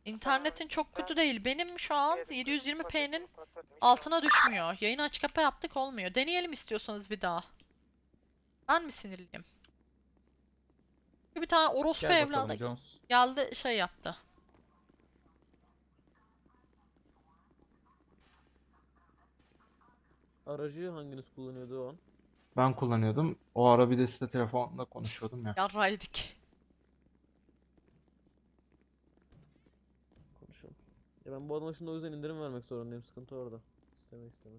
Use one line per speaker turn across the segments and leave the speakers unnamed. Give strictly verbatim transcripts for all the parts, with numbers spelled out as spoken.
İnternetin çok kötü değil. Benim şu an yedi yüz yirmi p'nin altına düşmüyor. Yayını açık kapa yaptık olmuyor. Deneyelim istiyorsanız bir daha. Ben mi sinirliyim? Bir tane orospu
Gel
evladı
bakalım Jones.
geldi şey yaptı.
Aracı hanginiz kullanıyordu o an?
Ben kullanıyordum. O ara bir de size telefonla konuşuyordum ya.
Yarraydık.
Konuşalım. Ya ben bu adama şimdi o yüzden indirim vermek zorundayım. Sıkıntı orada. İsteme isteme.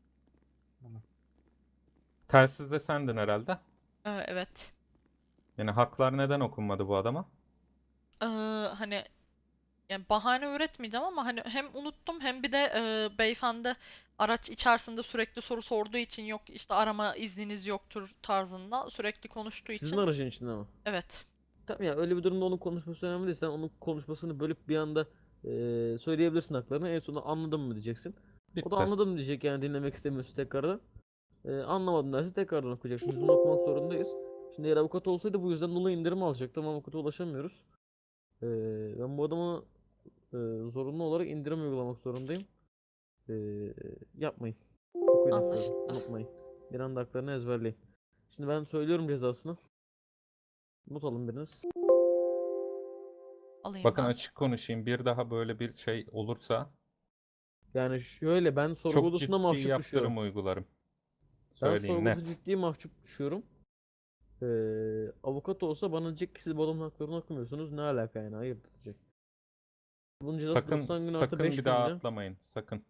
Telsizde sendin herhalde.
Ee, evet.
Yani haklar neden okunmadı bu adama?
Ee, hani yani bahane üretmeyeceğim ama hani hem unuttum hem bir de e, beyefendi araç içerisinde sürekli soru sorduğu için yok işte arama izniniz yoktur tarzında sürekli konuştuğu
Sizin
için
aracın içinde mi?
evet.
Tamam ya, öyle bir durumda onun konuşması önemli değil. Sen onun konuşmasını bölüp bir anda eee, söyleyebilirsin haklarını. En sonunda anladım mı diyeceksin. O da
Bitti.
anladım diyecek, yani dinlemek istemiyorsun tekrardan. Eee anlamadım derse tekrardan okuyacaksın. Biz bunu okumak zorundayız. Şimdi eğer avukat olsaydı bu yüzden dolayı indirim alacaktı ama avukata ulaşamıyoruz. Eee, ben bu adama eee, zorunlu olarak indirim uygulamak zorundayım. Eee, yapmayın. Okuyun haklarını.
Anlaşıldı.
Unutmayın. Bir anda haklarını ezberleyin. Şimdi ben söylüyorum cezasını. Not alın biriniz.
Alayım
Bakın
ben.
açık konuşayım. Bir daha böyle bir şey olursa
Yani şöyle, ben sorgu
çok
odasında
ciddi
mahcup düşüyorum.
yaptırım uygularım.
Ben
Söyleyeyim
sorguda
net.
ciddi mahcup düşüyorum. Ee, avukat olsa bana diyecek ki siz bu adamın haklarını okumuyorsunuz. Ne alaka yani? Hayır diyecek. Bunun cezası
Sakın
doksan gün artı
sakın bir
beş bin
daha
lira.
atlamayın. Sakın.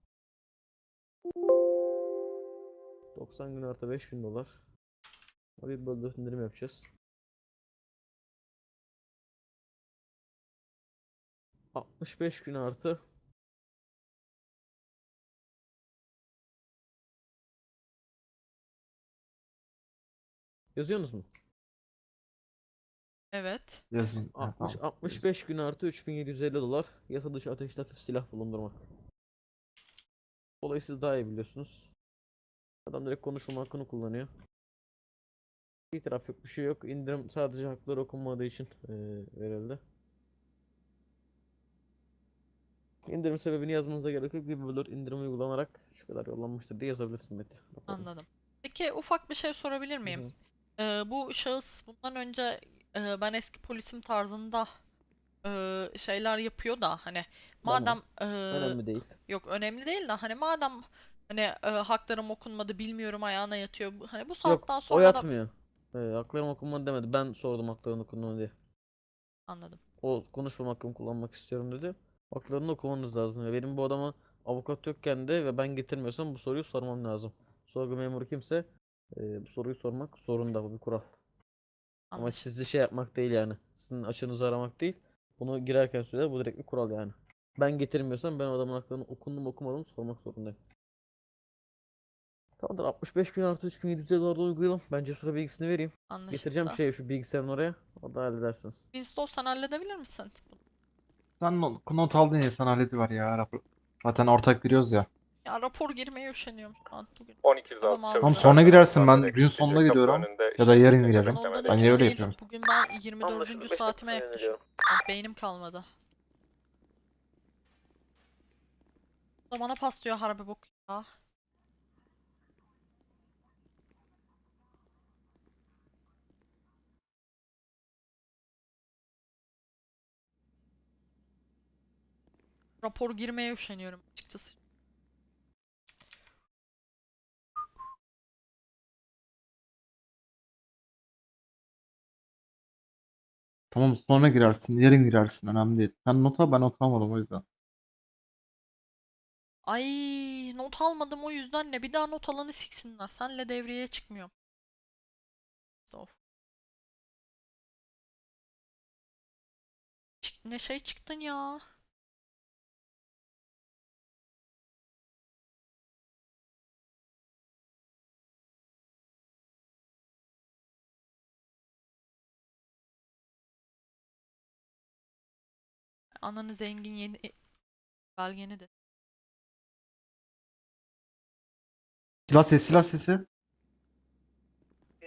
doksan gün artı beş bin dolar. Bir bölü dört indirim yapacağız. altmış beş gün artı. Yazıyorsunuz mu?
Evet.
Yazayım. Ha,
altmış
tamam.
altmış beş gün artı üç bin yedi yüz elli dolar. Yasa dışı ateşli hafif silah bulundurmak. Olayı siz daha iyi biliyorsunuz. Adam direkt konuşma hakkını kullanıyor. İtiraf yok, bir şey yok. İndirim sadece hakları okunmadığı için eee, verildi. İndirim sebebini yazmanıza gerek yok. Bir bölür indirim uygulanarak şu kadar yollanmıştır diye yazabilirsin Mete. Raporuna.
Anladım. Peki ufak bir şey sorabilir
Hı
miyim?
hı.
Ee, bu şahıs bundan önce e, ben eski polisim tarzında e, şeyler yapıyor da hani
Tamam.
madem e,
Önemli değil.
yok önemli değil de hani madem hani e, haklarım okunmadı bilmiyorum ayağına yatıyor. Hani bu
Yok,
saatten
o
sonra da
yatmıyor. Ee, haklarım okunmadı demedi. Ben sordum haklarını okunmadı diye.
anladım.
O konuşmam hakkımı kullanmak istiyorum dedi. Haklarını okumanız lazım. Ve benim bu adama avukat yokken de ve ben getirmiyorsam bu soruyu sormam lazım. Sorgu memuru kimse e, bu soruyu sormak zorunda. Bu bir kural. Ama sizi
Anlaşıldı.
şey yapmak değil yani. Sizin açınızı aramak değil. Bunu girerken söyler. Bu direkt bir kural yani. Ben getirmiyorsam ben o adamın haklarını okundum okumadım sormak zorundayım. Tamamdır, altmış beş gün artı üç bin yedi yüz dolarda uygulayalım. Ben Cesur'a bilgisini vereyim. Getireceğim
Anlaşıldı.
şey şu bilgisayarın oraya. Orada halledersiniz.
Winston sen halledebilir misin?
Sen not, not aldın ya, sen hallediver ya. Rapor. Zaten ortak giriyoruz ya.
Ya rapor girmeye üşeniyorum şu an bugün.
on iki yüz altı
Kafam
Tamam,
çavuş
almıyor.
sonra
personel
girersin,
zaten
ben gün sonunda
eksiltecek. Kapı
gidiyorum.
önünde
Ya da yarın
işlemci
girerim.
Ondan
beklemede.
Ben
ötürü
öyle
değil.
yapıyorum.
Bugün ben yirmi
Anlaşıldı.
dördüncü
beş
saatime
dakika
yaklaşıyorum.
yöneliyorum.
Yani beynim kalmadı. Bu da bana paslıyor harbi bok ya. Rapor girmeye üşeniyorum açıkçası.
Tamam, sonra girersin. Yarın girersin. Önemli değil. Sen not al, ben not almadım o yüzden.
Ay not almadım o yüzden ne? Bir daha not alanı siksinler. Senle devreye çıkmıyorum. Of. Çık- Ne şey çıktın ya. Ananı zengin yeni belgeni de.
Silah sesi, silah sesi.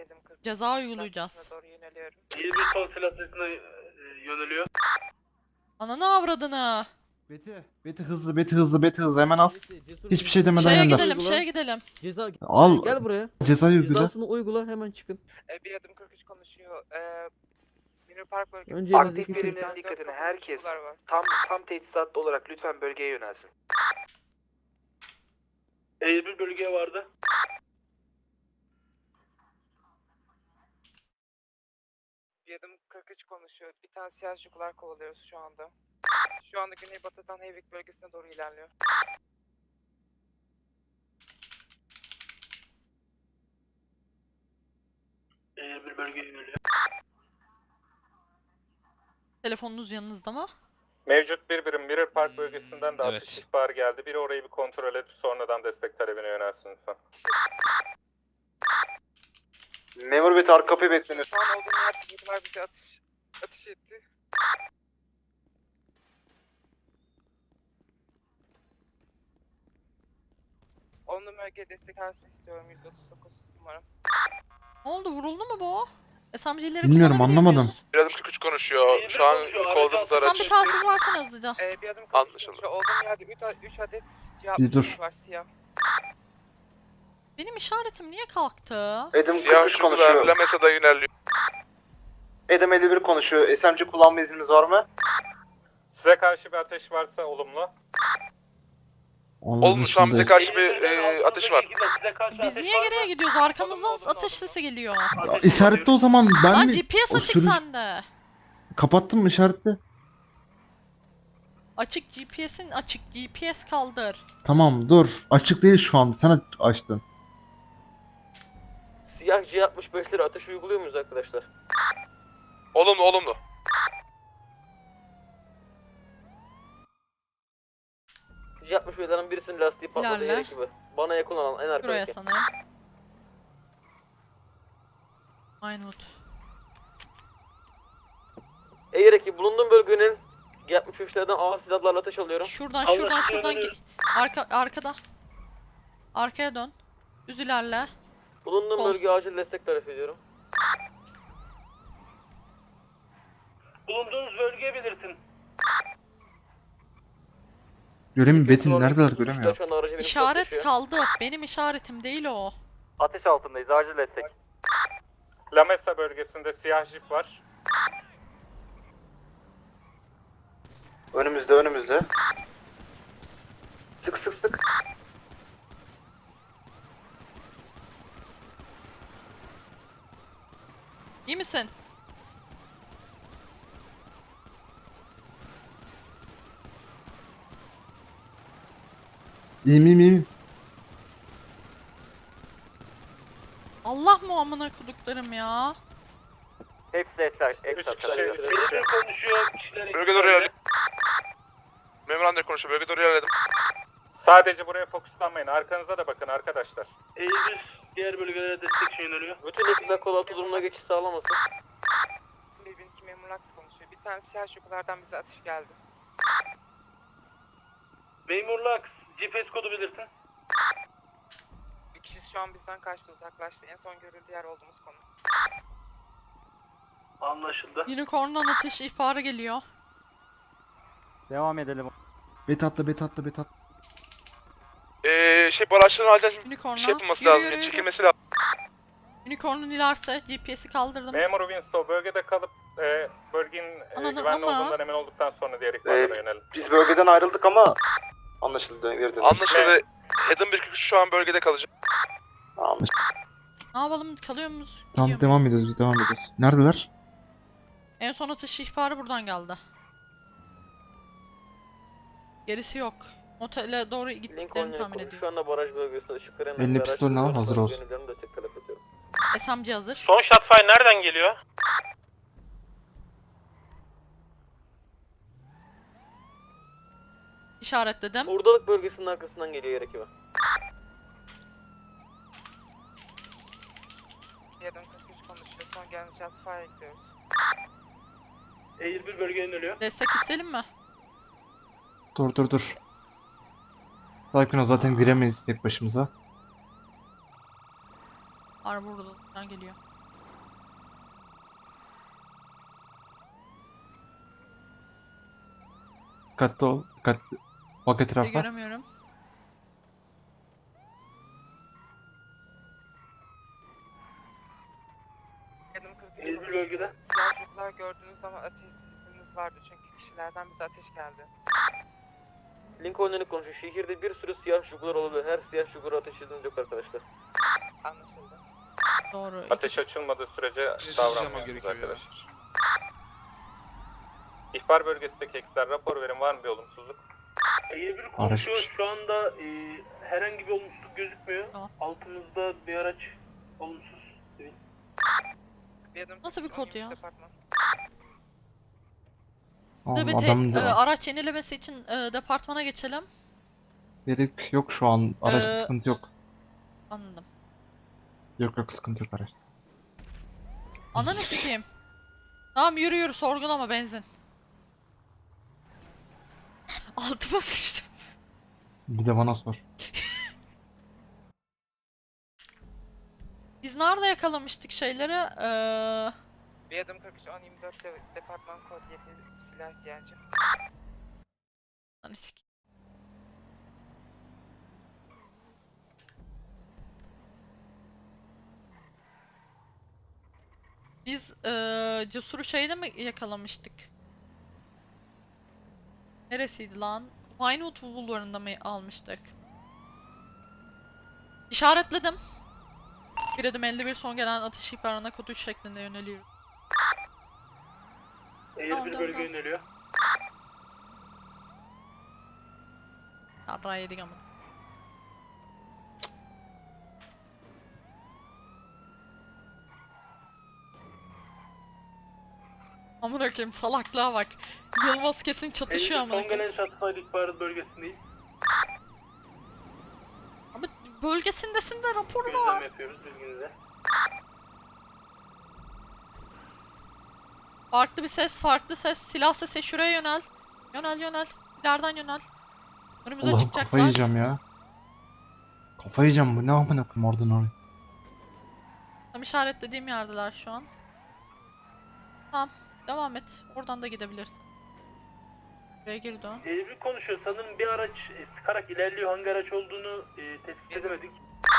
Ceza uygulayacağız.
İyi bir son silah sesine e, yöneliyor.
Ananı avradını.
Beti. Beti hızlı, Beti hızlı, Beti hızlı. Hemen al.
Beti, cesur
Hiçbir
bir
şey demeden
Şeye
gönder.
gidelim,
Uygula.
şeye gidelim.
Ceza
Al.
gel buraya.
Cezayı uygula.
Cezasını uygula, hemen çıkın.
E, bir adım kırk üç konuşuyor. E, Minor Park bölgesi.
Önce elinizdeki
Aktif
şey-
birimlerin dikkatine herkes tam tam teçhizatlı olarak lütfen bölgeye yönelsin.
Bir bölgeye vardı.
Bir adım kırk üç konuşuyor. Bir tane siyah jugular kovalıyoruz şu anda. Şu anda güneybatıdan Heyvik bölgesine doğru ilerliyor.
Bir bölgeye yöneliyor.
Telefonunuz yanınızda mı?
Mevcut bir birim Mirror Park
Hmm,
bölgesinden de
evet.
atış ihbarı geldi. Biri orayı bir kontrol edip sonradan destek talebine yönelsin lütfen.
Memur Bey arka kapıyı bekleniyor. Şu an olduğum yerde jugular bize atış, atış etti. On bölgeye destek versin istiyorum. yüz otuz dokuz numaram.
Ne oldu, vuruldu mu bu? S M G'leri
Bilmiyorum,
kullanabiliyor
anlamadım.
muyuz?
Bir adım kırk üç konuşuyor. Şu an kovaladığımız
Sen
araç.
bir telsiz versene hızlıca.
Ee, bir adım
Anlaşıldı.
konuşuyor. Olduğum yerde üç adet cevap
Bir dur.
var siyah.
Benim işaretim niye kalktı?
Adam
Siyah şugular Lamesa'da yöneliyor.
Adam elli bir konuşuyor. S M G kullanma izniniz var mı?
Size karşı bir ateş varsa olumlu.
Onun
Olmuş, şu an bize
dışındayız.
karşı bir e, ateş var.
Biz niye geriye gidiyoruz? Arkamızdan ateş sesi geliyor.
Ya, işaretli o zaman ben
Lan
mi?
G P S
O
açık
sürücü-
sende.
Kapattın mı işaretli?
Açık G P S'in açık. G P S kaldır.
Tamam dur. Açık değil şu an. Sen açtın.
Siyah C altmış beşleri ateş uyguluyor muyuz arkadaşlar?
Olumlu olumlu.
C altmış beşlerin birisinin lastiği patladı
İlerle.
yer gibi. Bana yakın olan en
Buraya
arkadaki.
sanırım. Aynut.
Eğer ki bulunduğum bölgenin C altmış beşlerden ağır silahlarla ateş alıyorum.
Şuradan
Allah
şuradan
aşkına
şuradan
dönüyoruz.
git. Arka arkada. Arkaya dön. Düz ilerle.
Bulunduğum
Sol.
bölgeye acil destek talep ediyorum.
Bulunduğunuz bölgeye belirtin.
Göremiyorum. Betin
Şu
neredeler
an
göremiyorum.
şu an aracı benim
İşaret
taşıyor.
kaldı. Benim işaretim değil o.
Ateş altındayız. Acil destek.
Lamesa bölgesinde siyah jip var.
Önümüzde önümüzde. Sık sık sık.
İyi misin?
İyiyim iyiyim iyiyim.
Allah mı amına kuduklarım ya?
Hepsi etler.
Üç
Etler.
kişi, üç
Bir
kişi.
konuşuyor. Kişiler
Bölge doğru ilerledim. Memur Ander konuşuyor. Bölge doğru ilerledim.
Sadece buraya fokuslanmayın. Arkanıza da bakın arkadaşlar.
Eğilir diğer bölgelere destek için yöneliyor.
Bütün ekipler kol altı durumuna geçiş sağlamasın.
bir bin iki memurlar konuşuyor. Bir tane siyah şokulardan bize atış geldi.
Memur Lux, G P S kodu belirtin.
Bir kişi şu an bizden kaçtı, uzaklaştı. En son görüldüğü yer olduğumuz konu.
Anlaşıldı.
Unicorn'dan atış ihbarı geliyor.
Devam edelim.
Bet atla bet atla bet atla.
Eee şey bu araçların acil şey
Unicorn'la.
yapılması
Yürü
lazım.
yürü
ya,
yürü.
Çekilmesi lazım.
Unicorn'un ilerse G P S'i kaldırdım.
Memur Winslow bölgede kalıp e, bölgenin e,
Anladım
güvenli
ama-
olduğundan emin olduktan sonra diğer ihbarlara yönelin.
Biz bölgeden ayrıldık ama anlaşıldı. Geri dönelim.
Anlaşıldı. Adam bir kırk üç şu an bölgede kalacak.
Ne yapalım, kalıyor muyuz?
Tamam
Gidiyor muyuz?
devam ediyoruz biz devam ediyoruz. Neredeler?
En son atış ihbarı buradan geldi. Gerisi yok. Otele doğru gittiklerini
Lincoln
tahmin
yakın.
ediyorum.
Şu anda baraj bölgesinde ışık veren
Elinde
bir araç
pistolünü al,
var.
hazır olsun.
Yönelilerini destek talep ediyorum.
S M G hazır.
Son shotfire nereden geliyor?
İşaretledim.
Hurdalık bölgesinin arkasından geliyor yer ekibi.
Bir adım kırk üç konuşuyor. Son gelen shots fire ekliyoruz.
Eğil bir bölgeye yöneliyor.
Destek isteyelim mi?
Dur dur dur. Sakin ol zaten giremeyiz tek başımıza.
Var buradan geliyor.
Dikkatli ol. Dikkatli. Bak
Bir
etrafa.
göremiyorum.
Yedim kırk üç
elli bir
konuşuyor.
bölgede.
Siyah çocuklar gördüğünüz zaman ateş sesiniz vardı çünkü kişilerden bize ateş geldi.
Lincoln Önlük konuşuyor. Şehirde bir sürü siyah şugular olabilir. Her siyah şugura ateş edilmesi yok arkadaşlar.
Anlaşıldı.
Doğru. İki-
Ateş açılmadığı sürece
Zaman
davranmıyoruz
gerekiyor ya.
arkadaşlar. İhbar bölgesindeki ekipler rapor verin, var mı bir olumsuzluk?
elli bir konuşuyor.
Araç.
Şu anda e, herhangi bir olumsuzluk gözükmüyor.
Tamam.
Altımızda bir araç olumsuz.
Yedim
Nasıl bir
kırk üç, on
kod
yedi
ya?
departman.
Bir de
Oğlum
bir
adamın
tek, e,
da
araç yenilemesi için e, departmana geçelim.
gerek yok şu an. Araçta
Ee,
sıkıntı yok.
Anladım.
Yok yok sıkıntı yok araç.
Ananı sikeyim. Tamam yürü yürü sorgulama benzin. Altıma sıçtım.
Bir de bana sor.
Biz nerede yakalamıştık şeyleri? Ee,
Yedim kırk üç, on yirmi dört de, departman kod yedi silah ihtiyacı.
Ananı sikeyim. Biz ee, Cesur'u şeyde mi yakalamıştık? Neresiydi lan? Vinewood Bulvarı'nda mı almıştık? İşaretledim. Bir adım elli bir son gelen atış ihbarına kod üç şeklinde yöneliyor.
elli
Tamam,
bir
tamam,
bölge
tamam.
yöneliyor.
Yarrağı yedik ama. Amına koyayım salaklığa bak. Yılmaz kesin çatışıyor
elli bir
amına
son
koyayım.
gelen şahıslar ihbarı bölgesindeyiz.
Ama bölgesindesin de rapor var.
Gözlem yapıyoruz bilginize.
Farklı bir ses, farklı ses. Silah sesi şuraya yönel. Yönel yönel. İleriden yönel. Önümüze
Allah'ım kafayı
çıkacaklar.
yiyeceğim ya. Kafayı yiyeceğim bu ne amına koyayım oradan oraya.
Tam işaretlediğim yerdeler şu an. Tamam. Devam et. Oradan da gidebilirsin. Buraya geri dön.
elli bir konuşuyor. Sanırım bir araç e, sıkarak ilerliyor. Hangi araç olduğunu e, tespit edemedik.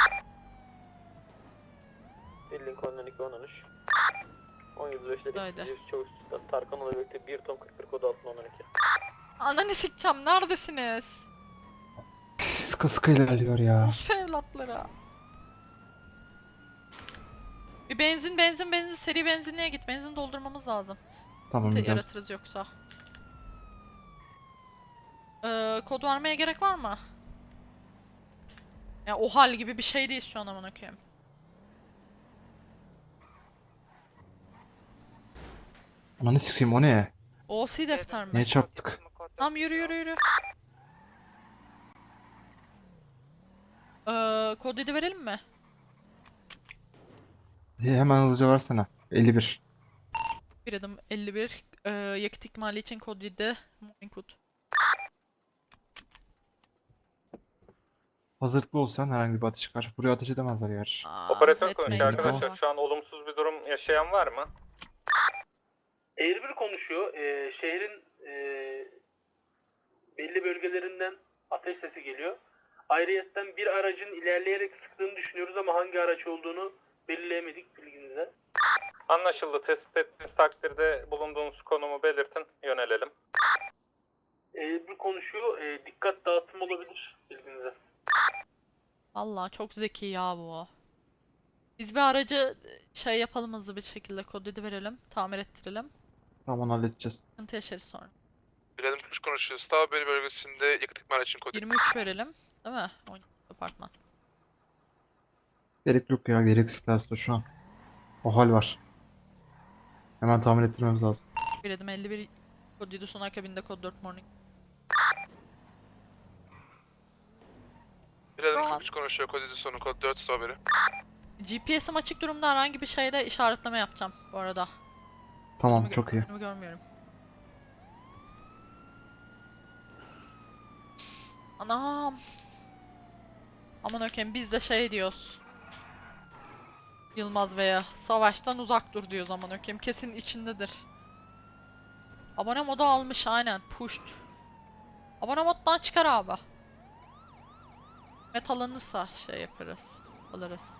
Lincoln Önlük on on üç. on yedi beşte
Haydi.
Çavuş Tarkan'la birlikte bir Tom kırk bir kod altında on on iki.
Ananı sikeceğim. Neredesiniz?
Sıkı sıkı ilerliyor ya.
Rus evlatları. Bir benzin benzin benzin seri benzinliğe git. Benzin doldurmamız lazım.
Tamam
Te-
güzel.
yaratırız yoksa. Ee, kod vermeye gerek var mı? Ya o hal gibi bir şey değil şu an amına koyayım.
Ananı sikeyim o ne?
O C defter mi?
Niye çarptık?
Tamam yürü yürü yürü. Ee, kod yedi verelim mi?
He- Hemen hızlıca versene. elli bir.
Bir adım elli bir. Ee, yakıt ikmali için kod yedi. Morning Wood.
Hazırlıklı olsan herhangi bir ateş çıkar. Buraya ateş edemezler gerçi.
Aa,
Operatör
etme
konuşuyor
ihtimali
arkadaşlar.
var.
Şu an olumsuz bir durum yaşayan var mı?
elli bir konuşuyor. E, şehrin e, belli bölgelerinden ateş sesi geliyor. Ayrıyeten bir aracın ilerleyerek sıktığını düşünüyoruz ama hangi araç olduğunu belirleyemedik bilginize.
Anlaşıldı. Tespit ettiğiniz takdirde bulunduğunuz konumu belirtin. Yönelelim.
elli bir konuşuyor. E, dikkat dağıtım olabilir bilginize.
Vallahi çok zeki ya bu. Biz bir aracı şey yapalım hızlı bir şekilde kod yedi verelim. Tamir ettirelim.
Tamam halledeceğiz.
Sıkıntı yaşarız sonra.
Bir adım kırk üç konuşuyor. Strawberry bölgesinde yakıt ikmal için kod.
yirmi üç verelim. Değil mi? on yedi departman.
Gerek yok ya gereksiz ters şu an. O hal var. Hemen tamir ettirmemiz lazım.
Bir adım elli bir. Kod yedi son akabinde kod dört morning.
Bir adım
Tamam.
kırk üç konuşuyor. Kod yedi sonu kod dört Strawberry.
G P S'im açık durumda herhangi bir şeyde işaretleme yapacağım bu arada.
Tamam
Önümü gö-
çok iyi.
önümü görmüyorum. Anam. Aman okuyayım biz de şey diyoruz. Yılmaz Bey'e savaştan uzak dur diyoruz aman okuyayım kesin içindedir. Abone modu almış aynen pushed. Abone moddan çıkar abi. Met alınırsa şey yaparız. Alırız.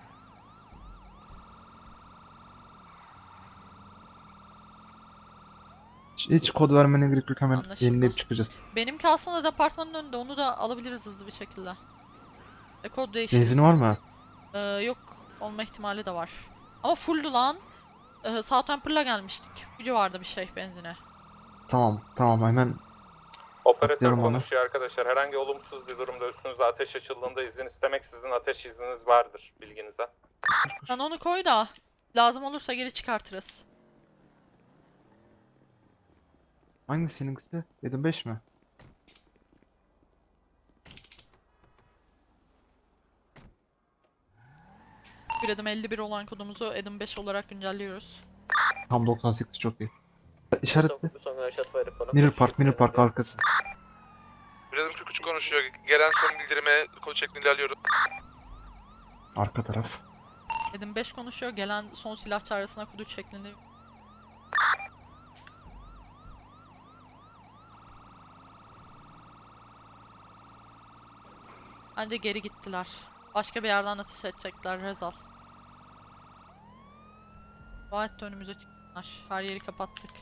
Hiç, hiç kod vermene gerek yok, hemen
Anlaşıldı.
yenileyip çıkacağız.
Benimki aslında departmanın önünde. Onu da alabiliriz hızlı bir şekilde. E kod değişiriz.
Benzin var mı?
Ee, yok. Olma ihtimali de var. Ama fulldü lan. Ee, Southampton'la gelmiştik. Gücü vardı bir şey benzine.
Tamam tamam, hemen
Operatör
Atlıyorum onu.
konuşuyor arkadaşlar. Herhangi olumsuz bir durumda üstünüze ateş açıldığında izin istemek sizin ateş izniniz vardır bilginize.
Sen onu koy da lazım olursa geri çıkartırız.
hangisi seninkisi? yedi beş mi?
Bir adım elli bir olan kodumuzu adım beş olarak güncelliyoruz.
Tam doksan sekiz, çok iyi. İşaretli. Mirror Park, Mirror Park arkası.
Birazım kırk üç konuşuyor. Gelen son bildirime kod şeklinde ilerliyoruz.
Arka taraf.
Adım beş konuşuyor. Gelen son silah çağrısına kod üç şeklinde. Bence geri gittiler. Başka bir yerden ateş edecekler Rezal. Gayet de önümüze çıktılar. Her yeri kapattık.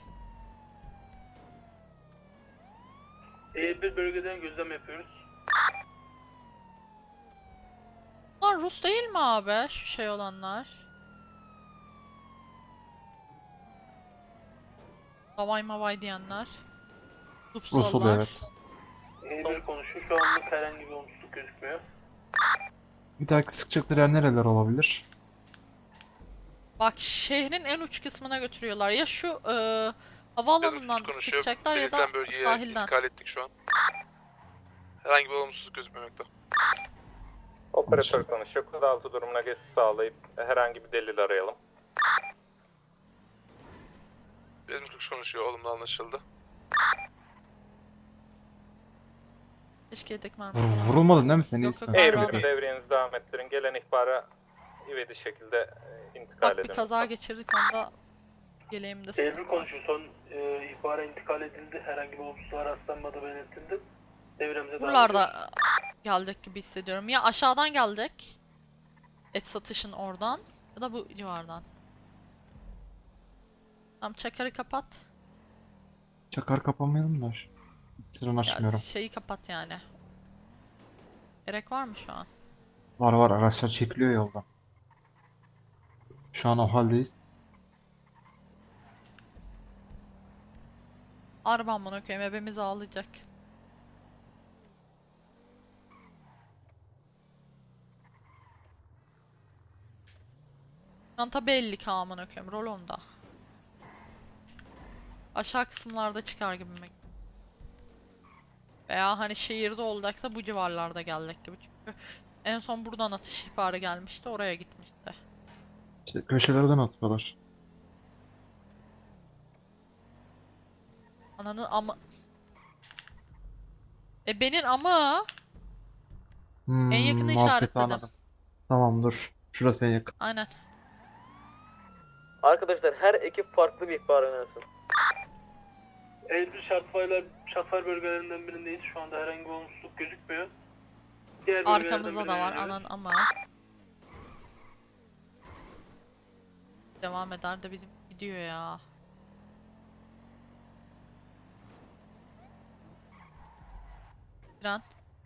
E bir bölgeden gözlem yapıyoruz.
Bunlar Rus değil mi abi? Şu şey olanlar. Havay mavay diyenler.
Rus oluyor,
Lupsallar.
evet.
E bir konuşuyor. Şu anlık herhangi bir olumsuzluk gözükmüyor.
Bir dahaki sıkacakları yer nereler olabilir?
Bak şehrin en uç kısmına götürüyorlar. Ya şu e, havaalanından
konuşuyor.
sıkacaklar ya da
Belirtilen bölgeye
sahilden.
intikal ettik şu an. Herhangi bir olumsuzluk gözükmemekte.
Operatör konuşuyor. Kod altı durumuna geçiş sağlayıp herhangi bir delil arayalım.
Birazım kırk üç konuşuyor. Olumlu anlaşıldı.
Keşke yedek mermi
Vur-
falan.
vurulmadın değil mi sen?
Yok,
İyisin.
yok,
E
Bravo.
bir devriyenizi devam ettirin. Gelen ihbara ivedi şekilde e, intikal
Bak bir
edin.
kaza geçirdik onda yeleğimde
E
sıkıntı
bir
var.
konuşuyor. Son e, ihbara intikal edildi. Herhangi bir olumsuzluğa rastlanmadığı belirtildi. Devremize devam
Buralarda
ediyoruz.
geldik gibi hissediyorum. Ya aşağıdan geldik. Et satışın oradan ya da bu civardan. Tamam çakarı kapat.
Çakar kapamayalım da. Sıran
Ya
açmıyorum.
şeyi kapat yani. Gerek var mı şu an?
Var var, araçlar çekiliyor yoldan. Şu an o haldeyiz.
Arabam bunu koyayım ebemizi ağlayacak. Çanta belli ki amına koyayım rol onda. Aşağı kısımlarda çıkar gibi mi? Veya hani şehirde olacaksa bu civarlarda geldik gibi çünkü en son buradan atış ihbarı gelmişti oraya gitmişti.
İşte köşelerden atıyorlar.
Ananın ama... E benim ama
Hmm,
en yakını
muhabbeti
işaretledim.
anladım. Tamam, dur. Şurası en yakın.
Aynen.
Arkadaşlar her ekip farklı bir ihbar önersin.
E bir şartfayla şartfay bölgelerinden birindeyiz. Şu anda herhangi bir olumsuzluk gözükmüyor. Diğer bölgelerden
Arkamızda da
birine
var
yöneliyoruz.
anan ama. Devam eder de bizim gidiyor ya. Tren.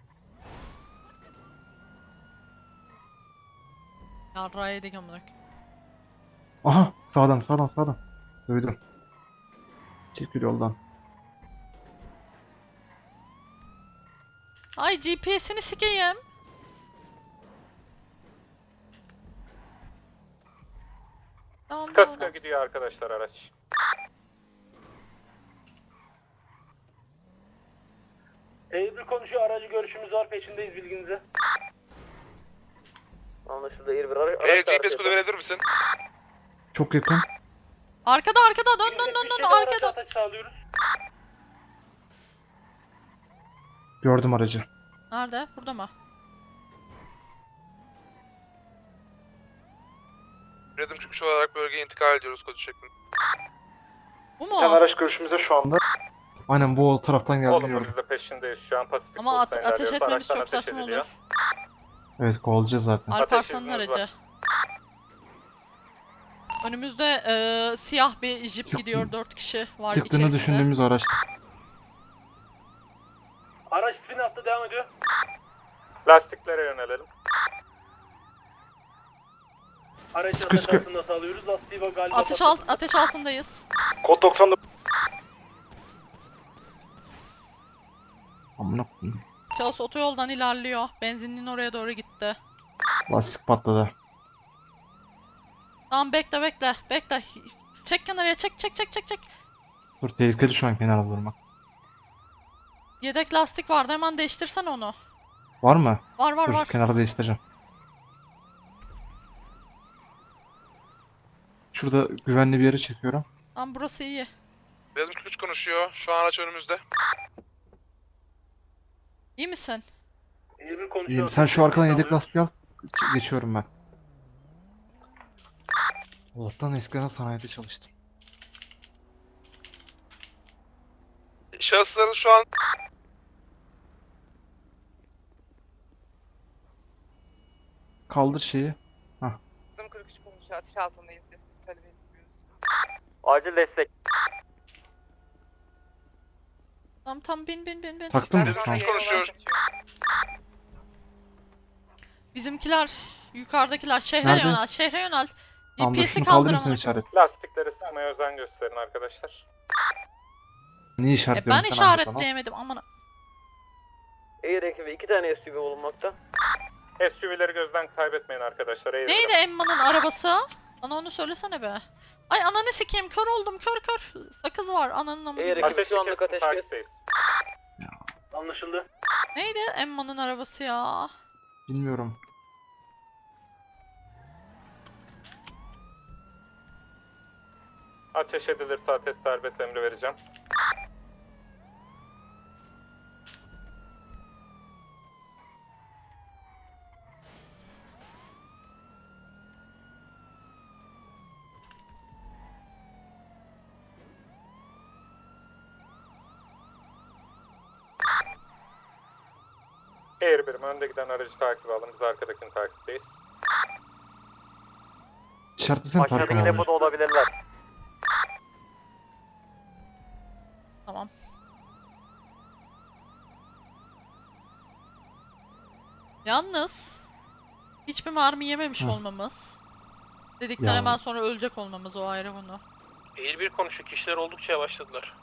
Yarrağı yedik amına koyayım.
Aha, sağdan sağdan sağdan. Duydum. Çekil yoldan.
Ay G P S'ini sikeyim. Tamam
Sıka
tamam.
sıka gidiyor arkadaşlar araç.
E bir konuşuyor. Aracı görüşümüz var. Peşindeyiz bilginize.
Anlaşıldı. İyi bir ara
E G P S kodu verebilir misin?
Çok yakın.
Arkada arkada dön dön dön dön arkaya dön.
Araç sağlıyoruz.
Gördüm aracı.
Nerede? Burada mı?
Birazım kırk üç olarak bölgeye intikal ediyoruz kodu şeklinde.
Bu mu?
araç görüşümüzde şu anda. Aynen bu o taraftan geldi
Olumlu
gördüm.
biz de peşindeyiz şu an Pasifik
Ama at-
Coast'tan
ateş
ilerliyoruz.
etmemiz
Araçtan
çok
ateş
saçma
ediliyor.
olur.
Evet kovalayacağız zaten.
Alparslan'ın
izniniz var.
aracı. Önümüzde eee, siyah bir jip
Sık-
gidiyor. Dört kişi var
Sıktığını
içerisinde.
düşündüğümüz araç.
Araç spin attı, devam ediyor.
Lastiklere yönelelim.
Aracın
Sıkı sıkı.
ateş sağlıyoruz. Lastiği ve galiba
Ateş alt ateş altındayız.
Kod doksan'da.
Amına koyayım.
Şahıs otoyoldan ilerliyor. Benzinliğin oraya doğru gitti.
Lastik patladı.
Tamam bekle bekle bekle. Çek kenarıya çek çek çek çek çek.
Dur tehlikeli şu an kenara durmak.
Yedek lastik vardı, hemen değiştirsen onu.
Var mı?
Var var
Dur
var.
kenara değiştireceğim. Şurada güvenli bir yere çekiyorum.
Tamam burası iyi.
Beyazım kırk üç konuşuyor. Şu an araç önümüzde.
İyi misin?
elli bir konuşuyor.
İyiyim. Sen şu arkadan yedek lastiği al. Ç- Geçiyorum ben. Allah'tan eskiden sanayide çalıştım.
Şahısların şu an
Kaldır şeyi.
kırk üç konuşuyor. Ateş altındayız. Söylemeyi bilmiyoruz.
Acil destek.
Tamam tamam bin bin bin bin.
Taktın mı?
Beyazım
Tamam.
kırk üç konuşuyor.
Bizimkiler, yukarıdakiler şehre
Nerede?
yönel, şehre yönel.
Tamam dur
G P S'i
şunu kaldırayım sen
kaldıramam.
işaret.
Lastikleri sıkmaya özen gösterin arkadaşlar.
Niye
E
işaretliyorsun
ben
sen anlat bana.
işaretleyemedim aman.
Air ekibi iki tane S U V bulunmakta.
S U V'leri gözden kaybetmeyin arkadaşlar. Eğri
Neydi Emma'nın arabası? Bana onu söylesene be. Ay ananı sikeyim, kör oldum, kör kör. Sakız var ananın amı
Eğer
gibi.
ekip şu anlık ateşkes.
takipteyiz.
Anlaşıldı.
Neydi Emma'nın arabası ya?
Bilmiyorum.
Ateş edilirse ateş serbest emri vereceğim. Air birim önde giden aracı takip alın. Biz arkadakini takipteyiz.
İşaretlesene Tarkan
Aşağıdaki
abi.
depoda olabilirler.
Tamam. Yalnız hiçbir mermi yememiş
Hı.
olmamız. Dedikten
Ya.
hemen sonra ölecek olmamız o ayrı bunu.
Eğil bir konuşuyor. Kişiler oldukça yavaşladılar.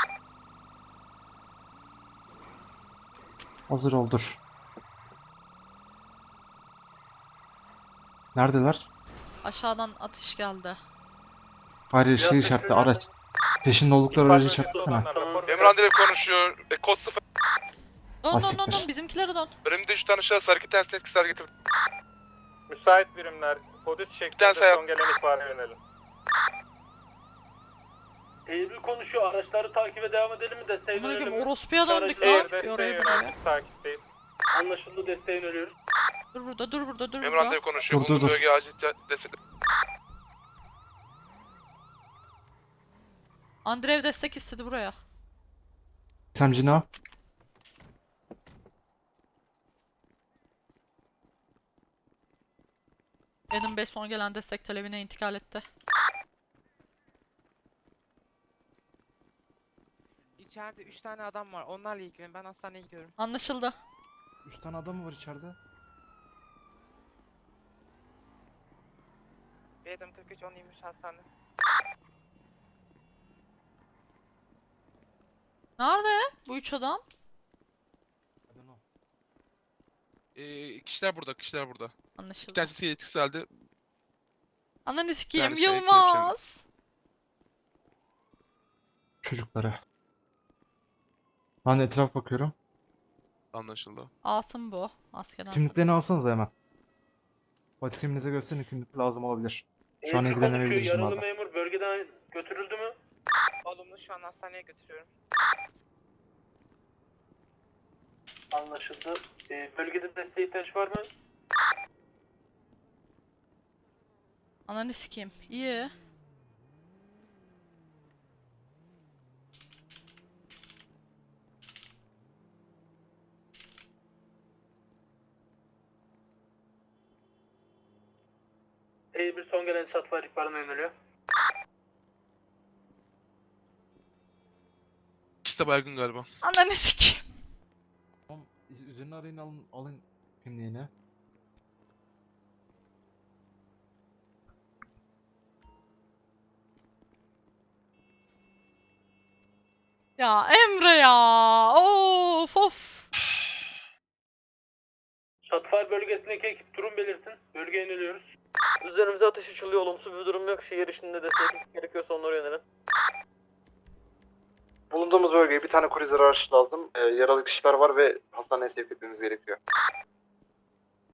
Hazır ol dur. Neredeler?
Aşağıdan atış geldi.
Hayır şey işaretli araç. Peşinde oldukları aracı işaretlesene.
Emre Andrev konuşuyor. E, kod sıfır.
Dön dön dön
Asiktir.
dön bizimkilere dön.
Önümde üç tane şahıs hareket ters etkisi hareket ediyor.
Müsait birimler kod üç şeklinde
tane sayı-
son gelen ihbara yönelim.
Eğil konuşuyor. Araçları takibe devam edelim mi? Desteğe
Amına
dönelim
koyayım
mi?
orospuya döndük lan.
Air
Bir
desteğe
oraya bir buraya.
yöneldik takipteyiz.
Anlaşıldı. Desteğe ölüyoruz.
Dur burada dur burada dur
Emre
burada.
Andrev konuşuyor.
Dur, dur,
Bulunduğu
dur.
bölgeye acil te- destek.
Andrev destek istedi buraya.
Semcini al.
Benim beş son gelen destek talebine intikal etti.
İçeride üç tane adam var. Onlarla ilgilenin. Ben hastaneye gidiyorum.
Anlaşıldı.
Üç tane adam mı var içeride?
Benim kırk üç on yirmi üç hastane.
Nerede bu üç adam?
Ee, kişiler burada, kişiler burada. Bir
Anlaşıldı.
tanesi etkisi halde.
Ananı sikeyim
tanesi ekip
Yılmaz.
Çocuklara. Ben de etraf bakıyorum.
Anlaşıldı.
Asım bu. Askerden.
Kimliklerini alsanız hemen. Fatih kimliğinize gösterin, kimlik lazım olabilir. Şu an
Eğil
ilgilenemeyebiliriz
konuşuyor. Yaralı
bunlarla.
memur bölgeden götürüldü mü?
Olumlu şu an hastaneye götürüyorum.
Anlaşıldı. Ee, bölgede desteğe ihtiyaç var mı?
Ananı sikeyim. İyi.
H bir son gelen Shotfire ihbarına yöneliyor.
İkisi de baygın galiba.
Ananı sikeyim.
Tamam, üzerine arayın alın, alın kimliğini.
Ya Emre ya. Of of.
Shotfire bölgesindeki ekip durum belirtin. Bölgeye yöneliyoruz.
Üzerimize ateş açılıyor. Olumsuz bir durum yok. Şehir içinde destek gerekiyorsa onlara yönelin.
Bulunduğumuz bölgeye bir tane cruiser araç lazım. Ee, yaralı kişiler var ve hastaneye sevk etmemiz gerekiyor.